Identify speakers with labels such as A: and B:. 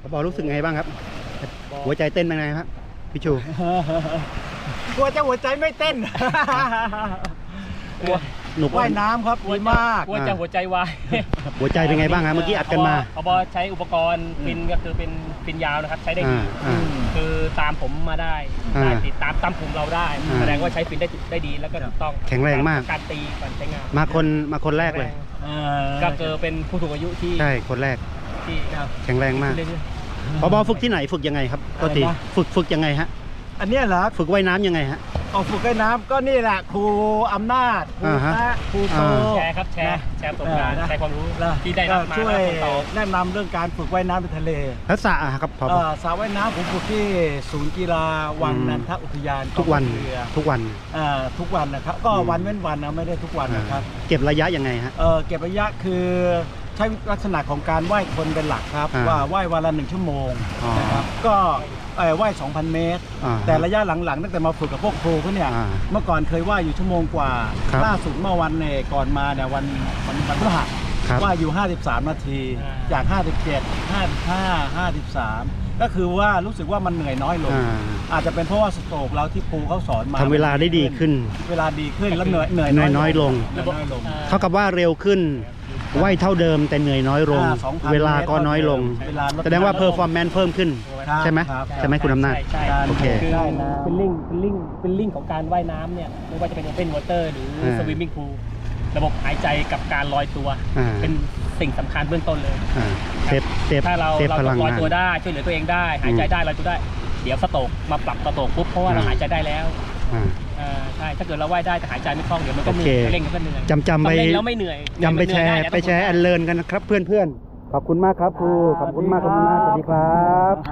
A: ผบ.รู้สึกไงบ้างครับหัวใจเต้นเป็นไงครับพี่ชู
B: กลัวจะหัวใจไม่เต้น
A: หนุก
B: ว่ายน้ำครับดีมาก
C: กลัวจะหัวใจวาย
A: หัวใจเป็นไงบ้างครับเมื่อกี้อัดกันมา
C: ผบ.ใช้อุปกรณ์ฟินก็คือเป็นฟินยาวนะครับใช้ได้ดีคือตามผมมาได้ติดตามกลุ่มเราได้แสดงว่าใช้ฟินได้ดีแล้วก็ถูกต้อง
A: แข็งแรงมาก
C: การตีการใช้งาน
A: มาคนแรกเลย
C: ก็คือเป็นผู้สูงอายุที่
A: ใช่คนแรก
C: ที่
A: แข็งแรงมากผบ.ฝึกที่ไหนฝึกยังไงครับก็ตีฝึกยังไงฮะ
B: อันนี้เหรอ
A: ฝึกว่ายน้ำยังไงฮะ
B: ฝึกว่ายน้ำก็นี่แหละครูอำนาจครูแป๊ะครูโต
C: แชร์ครับแชร์ประสบการณ์แชร์ความรู้ที่ได้รับมา
B: ช่วยแนะนำเรื่องการฝึกว่ายน้ำในทะเล
A: แล้วสระครับผบ.
B: สระว่ายน้ำผมฝึกที่ศูนย์กีฬาวังนันทอุทยาน
A: ทุกวัน
B: นะครับก็วันเว้นวันนะไม่ได้ทุกวันนะครับ
A: เก็บระยะยังไงฮะ
B: เก็บระยะคือใช้ลักษณะของการว่ายคนเป็นหลักครับว่าว่ายวันละ1 ชั่วโมงนะครับก็ว่าย 2,000 เมตรแต่ระยะหลังๆตั้งแต่มาฝึกกับพวกครูเขาเนี่ยเมื่อก่อนเคยว่ายอยู่ชั่วโมงกว่าล่าสุดเมื่อวันก่อนมาเนี่ยวันพฤหัสว่ายอยู่53 นาทีจาก57 55 53ก็คือว่ารู้สึกว่ามันเหนื่อยน้อยลงอาจจะเป็นเพราะว่าสโตรกเราที่ครูเขาสอนมา
A: ทำเวลาได้ดีขึ้น
B: แล้วเหนื่อย
A: น้อยลงเท่ากับว่าเร็วขึ้นว่ายเท่าเดิมแต่เหนื่อยน้อยลงเวลาก็น้อยลงแสดงว่าเพอร์ฟอร์แมนซ์เพิ่มขึ้นใช่ไหมคุณอำนาจโอเค
C: เป็นลิงของการว่ายน้ำเนี่ยไม่ว่าจะเป็นโอเพ่นวอเตอร์หรือสวิมมิ่งพูลระบบหายใจกับการลอยตัวเป็นสิ่งสำคัญเบื้องต้นเลยถ้าเราลอยตัวได้ช่วยเหลือตัวเองได้หายใจได้ลอยตัวได้เดี๋ยวสโตรกมาปรับสโตรกปุ๊บเพราะว่าเราหายใจได้แล้วใช่ถ้าเกิดเราว่ายได้แต่หายใจไม่คล่องเดี๋ยวมันก็เหนื่อยเร่งก็เหนื่อย
A: จำไป
C: แล้วไม่เหนื่อย
A: ไปแชร์อันเลิร์นกันนะครับเพื่อนๆขอบคุณมากครับครูขอบคุณมากสวัสดีครับ